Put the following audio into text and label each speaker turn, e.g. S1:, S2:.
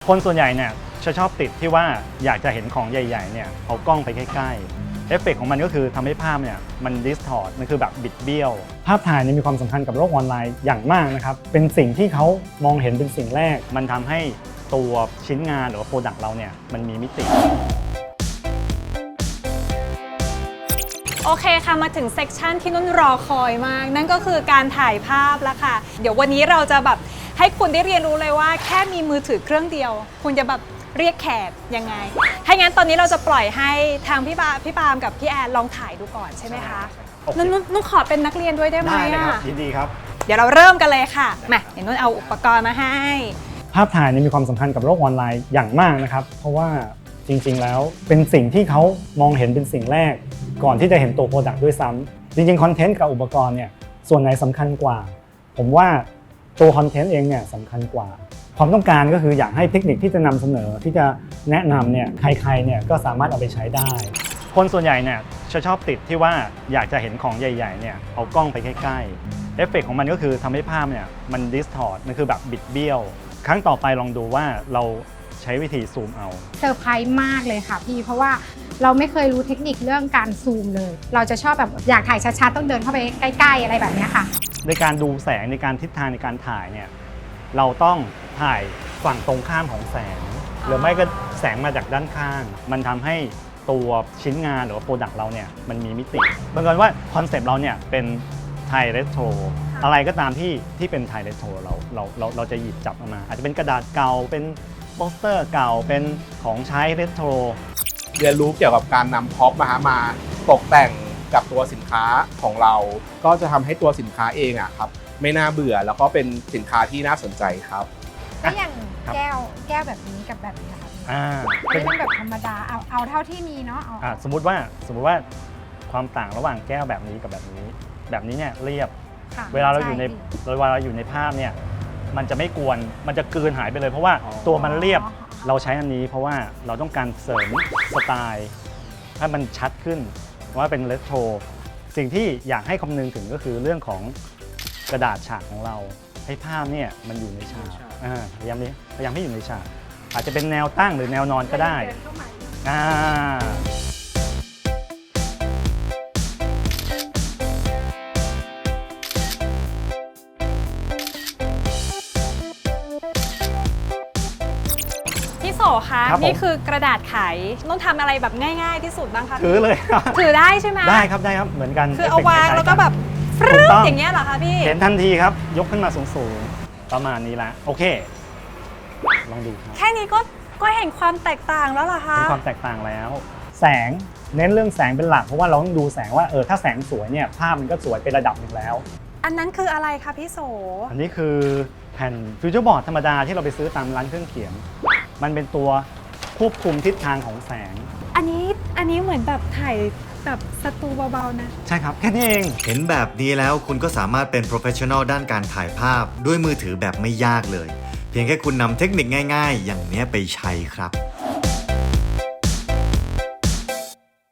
S1: คนส่วนใหญ่เนี่ยจะชอบติดที่ว่าอยากจะเห็นของใหญ่ๆเนี่ยเอากล้องไปใกล้ๆเอฟเฟกต์ของมันก็คือทำให้ภาพเนี่ยมันดิสทอร์ตมันคือแบบบิดเบี้ยวภาพถ่ายนี่มีความสำคัญกับโลกออนไลน์อย่างมากนะครับเป็นสิ่งที่เขามองเห็นเป็นสิ่งแรกมันทำให้ตัวชิ้นงานหรือว่าโปรดักต์เราเนี่ยมันมีมิติ
S2: โอเคค่ะมาถึงเซกชันที่นุ่นรอคอยมากนั่นก็คือการถ่ายภาพแล้วค่ะเดี๋ยววันนี้เราจะแบบให้คุณได้เรียนรู้เลยว่าแค่มีมือถือเครื่องเดียวคุณจะแบบเรียกแขกยังไงถ้างั้นตอนนี้เราจะปล่อยให้ทางพี่ปาล์มกับพี่แอนลองถ่ายดูก่อนใช่ไหมคะนุ่นขอเป็นนักเรียนด้วยได้ไหม
S1: ได้เลยครับยินดีครับ
S2: เดี๋ยวเราเริ่มกันเลยค่ะมาเดี๋ยวนุ่นเอาอุปกรณ์มาให้
S1: ภาพถ่ายนี่มีความสำคัญกับโลกออนไลน์อย่างมากนะครับเพราะว่าจริงๆแล้วเป็นสิ่งที่เขามองเห็นเป็นสิ่งแรกก่อนที่จะเห็นตัวโปรดักต์ด้วยซ้ำจริงๆคอนเทนต์กับอุปกรณ์เนี่ยส่วนไหนสำคัญกว่าผมว่าตัวคอนเทนต์เองเนี่ยสำคัญกว่าความต้องการก็คืออยากให้เทคนิคที่จะนำเสนอที่จะแนะนำเนี่ยใครๆเนี่ยก็สามารถเอาไปใช้ได้คนส่วนใหญ่เนี่ยจะชอบติดที่ว่าอยากจะเห็นของใหญ่ๆเนี่ยเอากล้องไปใกล้ๆเอฟเฟกต์ของมันก็คือทำให้ภาพเนี่ยมันดิสทอร์ตมันคือแบบบิดเบี้ยวครั้งต่อไปลองดูว่าเราใช้วิธีซูมเอา
S3: เซอร์ไพรส์มากเลยค่ะพี่เพราะว่าเราไม่เคยรู้เทคนิคเรื่องการซูมเลยเราจะชอบแบบอยากถ่ายชัดๆต้องเดินเข้าไปใกล้ๆอะไรแบบนี้ค่ะ
S1: ในการดูแสงในการทิศทางในการถ่ายเนี่ยเราต้องถ่ายฝั่งตรงข้ามของแสงหรือไม่ก็แสงมาจากด้านข้างมันทำให้ตัวชิ้นงานหรือว่าโปรดักต์เราเนี่ยมันมีมิติบังเอิญว่าคอนเซปต์เราเนี่ยเป็นไทยเรโทรอะไรก็ตามที่เป็นไทยเรโทรเราจะหยิบจับมาอาจจะเป็นกระดาษเก่าเป็นโปสเตอร์เก่าเป็นของใช้เรโทร
S4: เรียนรู้เกี่ยวกับการนำพ็อปมาตกแต่งกับตัวสินค้าของเราก็จะทำให้ตัวสินค้าเองอะครับไม่น่าเบื่อแล้วก็เป็นสินค้าที่น่าสนใจครับ
S3: แล้วอย่างแก้วแบบนี้กับแบบนี้ค่ะไม่ต้องแบบธรรมดาเอาเท่าที่มีเนาะ
S1: สมมุติว่าความต่างระหว่างแก้วแบบนี้กับแบบนี้เนี่ยเรียบเวลาเราอยู่ในภาพเนี่ยมันจะไม่กวนมันจะกลืนหายไปเลยเพราะว่าตัวมันเรียบเราใช้อันนี้เพราะว่าเราต้องการเสริมสไตล์ให้มันชัดขึ้นว่าเป็นเรโทรสิ่งที่อยากให้คำนึงถึงก็คือเรื่องของกระดาษฉากของเราให้ภาพเนี่ยมันอยู่ในฉากพยายามให้อยู่ในฉากอาจจะเป็นแนวตั้งหรือแนวนอนก็ได้
S2: พี่โสคะนี่คือกระดาษไขต้องทำอะไรแบบง่ายๆที่สุดบ้างคะ
S1: ถือเลย
S2: ถือได้ใช่ไหม
S1: ได้ครับเหมือนกัน
S2: คือเอาวางแล้วก็แบบฟรึ๊ดอย่างเงี้ยเหรอคะพี่
S1: เห็นทันทีครับยกขึ้นมาสูงๆประมาณนี้ละโอเคลองดูครับ
S2: แค่นี้ก็เห็นความแตกต่างแล้วเหรอคะ
S1: เห็นความแตกต่างแล้วแสงเน้นเรื่องแสงเป็นหลักเพราะว่าเราต้องดูแสงว่าถ้าแสงสวยเนี่ยภาพมันก็สวยเป็นระดับหนึ่งแล้ว
S2: อันนั้นคืออะไรคะพี่โส
S1: อันนี้คือแผ่นฟิวเจอร์บอร์ดธรรมดาที่เราไปซื้อตามร้านเครื่องเขียนมันเป็นตัวควบคุมทิศทางของแสง
S2: อันนี้เหมือนแบบถ่ายแบบสตูเบาๆนะ
S1: ใช่ครับแค่นี้เอง
S5: เห็นแบบนี้แล้วคุณก็สามารถเป็นโปรเฟชชั่นอลด้านการถ่ายภาพด้วยมือถือแบบไม่ยากเลยเพียงแค่คุณนำเทคนิคง่ายๆอย่างนี้ไปใช้ครับ